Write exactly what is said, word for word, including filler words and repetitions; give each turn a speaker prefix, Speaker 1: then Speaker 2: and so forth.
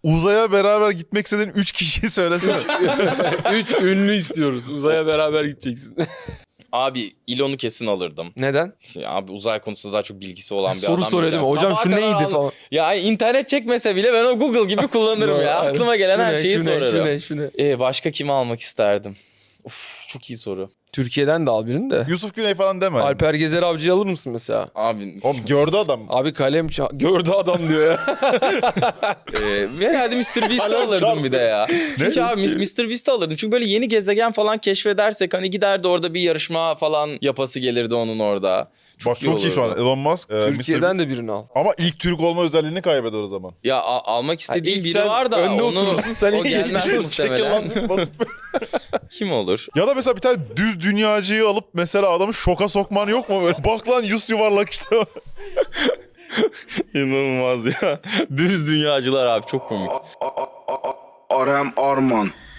Speaker 1: Uzaya beraber gitmek istediğin üç kişiyi söylesene.
Speaker 2: Üç ünlü istiyoruz. Uzaya beraber gideceksin.
Speaker 3: Abi Elon'u kesin alırdım.
Speaker 2: Neden?
Speaker 3: Ya abi uzay konusunda daha çok bilgisi olan bir
Speaker 2: Soru
Speaker 3: adam.
Speaker 2: soruyor
Speaker 3: değil
Speaker 2: değil mi?
Speaker 3: ya.
Speaker 2: Hocam
Speaker 3: Sabaha
Speaker 2: şu
Speaker 3: kadar
Speaker 2: neydi
Speaker 3: aldım.
Speaker 2: falan.
Speaker 3: Ya internet çekmese bile ben o Google gibi kullanırım ya.
Speaker 2: Aynen.
Speaker 3: Aklıma gelen
Speaker 2: Şu
Speaker 3: her
Speaker 2: ne,
Speaker 3: şeyi
Speaker 2: şu ne,
Speaker 3: sorarım.
Speaker 2: Şu ne, şu ne?
Speaker 3: Ee, başka kimi almak isterdim? Uf, çok iyi soru.
Speaker 2: Türkiye'den de al birini de.
Speaker 1: Yusuf Güney falan deme.
Speaker 2: Alper Gezer Avcı'yı alır mısın mesela?
Speaker 3: Abi
Speaker 1: Oğlum gördü adam.
Speaker 2: Abi kalem ça- gördü adam diyor ya.
Speaker 3: e, herhalde mister Beast'i alırdım bir de ya. Çünkü abi mister Beast'i alırdım. Çünkü böyle yeni gezegen falan keşfedersek hani giderdi orada bir yarışma falan yapası gelirdi onun orada.
Speaker 1: Bak çok iyi şu an
Speaker 3: olurdu.
Speaker 1: Elon Musk. e,
Speaker 2: Türkiye'den
Speaker 1: mister
Speaker 2: de birini al.
Speaker 1: Beast. Ama ilk Türk olma özelliğini kaybeder o zaman.
Speaker 3: Ya a- almak istediğim
Speaker 2: ilk
Speaker 3: biri
Speaker 2: sen
Speaker 3: var da
Speaker 2: önde
Speaker 3: onu
Speaker 2: oturursun, sen
Speaker 3: o
Speaker 2: ilk
Speaker 3: gelmez
Speaker 2: geçmiş
Speaker 3: muhtemelen. Kim olur?
Speaker 1: Ya da mesela bir tane düz dünyacıyı alıp mesela adamı şoka sokman yok mu böyle? Bak lan yüz yuvarlak işte.
Speaker 3: İnanılmaz ya. Düz dünyacılar abi çok komik.
Speaker 4: Arem Arman.